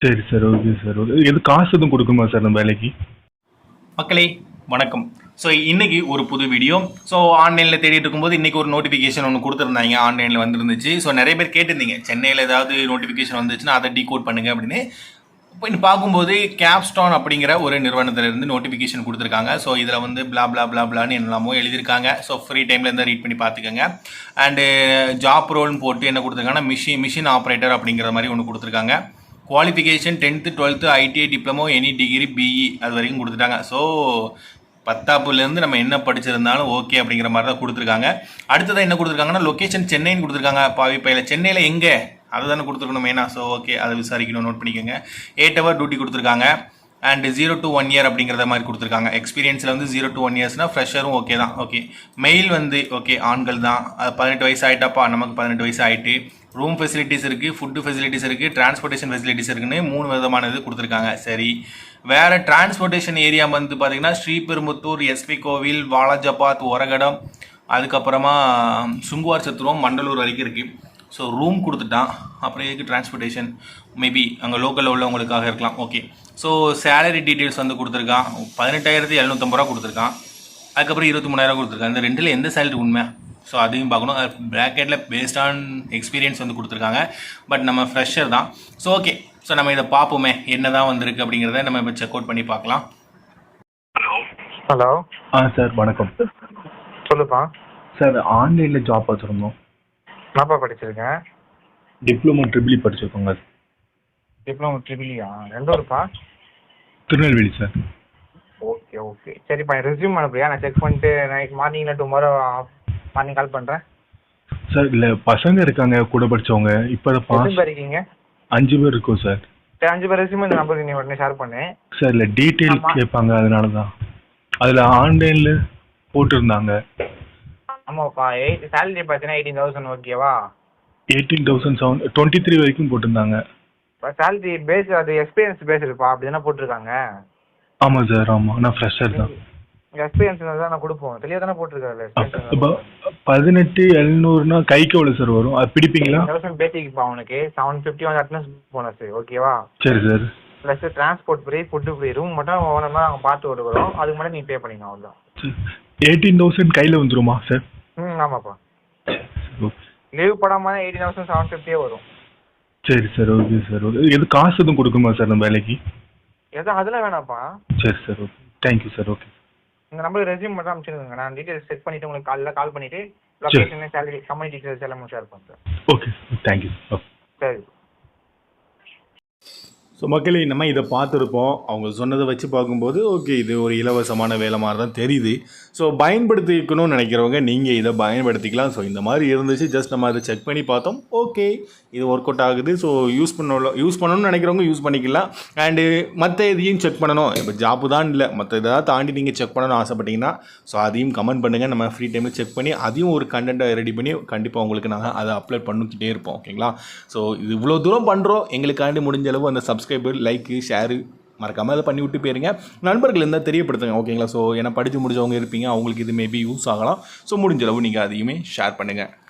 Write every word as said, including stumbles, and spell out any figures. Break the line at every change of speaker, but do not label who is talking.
சரி sir. Okay sir. Okay. எது காசு எதுவும் குடுக்கணுமா சார் அந்த வேலைக்கு?
மக்களே வணக்கம். ஸோ இன்னைக்கு ஒரு புது வீடியோ. ஸோ ஆன்லைனில் தேடிட்டு இருக்கும்போது இன்னைக்கு ஒரு நோட்டிஃபிகேஷன் ஒன்று கொடுத்துருந்தாங்க, ஆன்லைனில் வந்துருந்துச்சு. ஸோ நிறைய பேர் கேட்டிருந்தீங்க, சென்னையில் ஏதாவது நோட்டிஃபிகேஷன் வந்துச்சுன்னா அதை டீகோட் பண்ணுங்க அப்படின்னு. இப்போ இன்னும் பார்க்கும்போது கேப்ஸ்டான் அப்படிங்கிற ஒரு நிறுவனத்திலிருந்து நோட்டிஃபிகேஷன் கொடுத்துருக்காங்க. ஸோ இதில் வந்து பிளா பிளா பிளா பிளான்னு என்னெல்லாமோ எழுதியிருக்காங்க. ஸோ ஃப்ரீ டைமில் இருந்தால் ரீட் பண்ணி பார்த்துக்கோங்க. அண்டு ஜாப் ரோல்னு போட்டு என்ன கொடுத்துருக்காங்கன்னா மிஷின் மிஷின் ஆப்ரேட்டர் அப்படிங்கிற மாதிரி ஒன்று கொடுத்துருக்காங்க. Qualification tenth twelfth ITI diploma any degree BE அது வரைக்கும் கொடுத்துட்டாங்க. ஸோ பத்தாப்புலேருந்து நம்ம என்ன படிச்சிருந்தாலும் ஓகே அப்படிங்கிற மாதிரி தான் கொடுத்துருக்காங்க. அடுத்ததான் என்ன கொடுத்துருக்காங்கன்னா லொக்கேஷன் சென்னைன்னு கொடுத்துருக்காங்க. பாவி பையில் சென்னையில் எங்கே அதை தானே கொடுத்துருக்கணும் மெயினாக. ஸோ ஓகே, அதை விசாரிக்கணும், நோட் பண்ணிக்கோங்க. எயிட் ஹவர் டியூட்டி கொடுத்துருக்காங்க. And zero to one year அப்படிங்கிறத மாதிரி கொடுத்துருக்காங்க. எக்ஸ்பீரியன்ஸில் வந்து ஜீரோ டு ஒன் இயர்ஸ்னால் ஃப்ரெஷரும் ஓகே தான். ஓகே, மெயில் வந்து ஓகே ஆண்கள் தான். அது பதினெட்டு வயசு ஆகிட்டாப்பா, நமக்கு பதினெட்டு வயசு ஆகிட்டு. ரூம் ஃபெசிலிட்டிஸ் இருக்குது, ஃபுட்டு ஃபெசிலிட்டிஸ் இருக்குது, டிரான்ஸ்போர்ட்டேஷன் ஃபெசிலிட்டிஸ் இருக்குன்னு மூணு விதமான இது கொடுத்துருக்காங்க. சரி, வேறு டிரான்ஸ்போர்ட்டேஷன் ஏரியா வந்து பார்த்திங்கன்னா ஸ்ரீபெரும்புத்தூர், எஸ்பி கோவில், வாலாஜபாத், ஒரகடம், அதுக்கப்புறமா சுங்குவார் சத்துருவம், மண்டலூர் வரைக்கும் இருக்குது. ஸோ ரூம் கொடுத்துட்டான். அப்புறம் எதுக்கு டிரான்ஸ்போர்ட்டேஷன், மேபி அங்கே லோக்கலில் உள்ளவங்களுக்காக இருக்கலாம். ஓகே, ஸோ சேலரி டீட்டெயில்ஸ் வந்து கொடுத்துருக்கான். பதினெட்டாயிரத்தி எழுநூற்றம்பது ரூபா கொடுத்துருக்கான். அதுக்கப்புறம் இருபத்தி மூணாயிரம் கொடுத்துருக்கான். இந்த ரெண்டில் எந்த சேலரி உண்மை, ஸோ அதையும் பார்க்கணும். ப்ராக்கெட்டில் பேஸ்ட் ஆன் எக்ஸ்பீரியன்ஸ் வந்து கொடுத்துருக்காங்க. பட் நம்ம ஃப்ரெஷர் தான். ஸோ ஓகே, ஸோ நம்ம இதை பார்ப்போமே என்ன தான் வந்திருக்கு அப்படிங்கிறத நம்ம இப்போ செக் அவுட் பண்ணி பார்க்கலாம்.
ஹலோ ஹலோ
ஆ சார் வணக்கம்.
சொல்லுப்பா
சார் ஆன்லைனில் ஜாப் வச்சுருந்தோம்.
என்னப்பா படிச்சிருக்கேன்?
டிப்ளமோ ட்ரிபிள் படிச்சிருக்கோங்க.
டிப்ளமோ ட்ரிபிளியா? எந்த ஊருப்பா?
திருநெல்வேலி சார்.
ஓகே ஓகே சரிப்பா, ரெஸ்யூம் அனுப்புறியா? நான் செக் பண்ணிட்டு நைட் மார்னிங்கில் டுமாரோ மார்னிங் கால் பண்ணுறேன்.
சார் இல்லை பசங்க இருக்காங்க கூட படித்தவங்க. இப்போ
எத்தனை
பாஸ்
பேர் இருக்கீங்க?
அஞ்சு பேர் இருக்கோம் சார்.
சரி, அஞ்சு பேர் ரெஸ்யூம் இந்த நம்பருக்கு நீ உடனே ஷேர் பண்ணு.
சார் இல்லை டீட்டெயில்
ஆமா.
கேட்பாங்க, அதனால தான். அதில் ஆன்லைனில் போட்டிருந்தாங்க.
ஆமாப்பா, எயிட் சேலரி பார்த்தீங்கன்னா எயிட்டீன் தௌசண்ட் ஓகேவா?
Eighteen thousand seven twenty three வரைக்கும் போட்டிருந்தாங்க.
இப்போ சேலரி பேஸ் அது எக்ஸ்பீரியன்ஸ் பேஸ் இருப்பா, அப்படி தானே போட்டிருக்காங்க.
ஆமாம் சார், ஆமாம். நான் ஃப்ரெஷர் தான்.
எக்ஸ்பீரியன்ஸ் தான் நான் கொடுப்போம், தெளிவாக தானே போட்டிருக்காரு.
இப்போ பதினெட்டு எழுநூறுனா கைக்கு எவ்வளோ சார் வரும்? அது பிடிப்பீங்களா?
தௌசண்ட் பேட்டிக்குப்பா உனக்கு செவன் ஃபிஃப்டி வந்து அட்டனன்ஸ் போனஸ் ஓகேவா?
சரி sir.
Plus transport free, food free, room மட்டும் ஓனமாக நாங்கள் பார்த்து விடுவோம். அதுக்கு மட்டும் நீ பே பண்ணிக்கணும், அவ்வளோதான்.
எயிட்டீன் தௌசண்ட் கையில் வந்துருமா சார்?
ம் ஆமாப்பா. லீவ் போடாமல் எயிட்டீன் தௌசண்ட் செவன் ஃபிஃப்டியே வரும்.
சரி சார். Okay sir. ஓகே. எது காசு எதுவும் கொடுக்குமா சார் அந்த வேலைக்கு?
எதுவும் அதெல்லாம் வேணாம்ப்பா.
சரி sir. Okay, thank you sir. Okay,
இந்த நம்பருக்கு ரெஸ்யூம் மட்டும் அனுப்பிச்சிருங்க. நான் டீட்டெயில்ஸ் செக் பண்ணிவிட்டு உங்களுக்கு காலையில் கால் பண்ணிவிட்டு லொக்கேஷன், சேலரி, கம்பெனி டீட்டெயில்ஸ் எல்லாம் ஷேர் பண்ணுறேன்.
Okay, thank you. ஓகே,
சரி.
ஸோ மக்களே, நம்ம இதை பார்த்துருப்போம். அவங்க சொன்னதை வச்சு பார்க்கும்போது ஓகே, இது ஒரு இலவசமான வேலை மாதிரி தான் தெரியுது. ஸோ பயன்படுத்திக்கணும்னு நினைக்கிறவங்க நீங்கள் இதை பயன்படுத்திக்கலாம். ஸோ இந்த மாதிரி இருந்துச்சு, ஜஸ்ட் நம்ம அதை செக் பண்ணி பார்த்தோம். ஓகே, இது ஒர்க் அவுட் ஆகுது. ஸோ யூஸ் பண்ண யூஸ் பண்ணணும்னு நினைக்கிறவங்க யூஸ் பண்ணிக்கலாம். அண்டு மற்ற இதையும் செக் பண்ணணும். இப்போ ஜாப்பு தான் இல்லை, மற்ற இதாக தாண்டி நீங்கள் செக் பண்ணணும்னு ஆசைப்பட்டீங்கன்னா ஸோ அதையும் கமெண்ட் பண்ணுங்கள். நம்ம ஃப்ரீ டைமில் செக் பண்ணி அதையும் ஒரு கண்டென்ட்டை ரெடி பண்ணி கண்டிப்பாக உங்களுக்கு நாங்கள் அதை அப்லோட் பண்ணிக்கிட்டே இருப்போம். ஓகேங்களா? ஸோ இது இவ்வளோ தூரம் பண்ணுறோம், எங்களுக்காண்டி முடிஞ்ச அளவு அந்த சப்ஸ்கிரைபர், லைக்கு, ஷேரு மறக்காமல் அதை பண்ணி விட்டு போயிருங்க. நண்பர்கள் இருந்தால் தெரியப்படுத்துங்க. ஓகேங்களா? ஸோ ஏன்னா படித்து முடிஞ்சவங்க இருப்பீங்க, அவங்களுக்கு இது மேபி யூஸ் ஆகலாம். ஸோ முடிஞ்ச அளவு நீங்கள் அதையுமே ஷேர் பண்ணுங்கள்.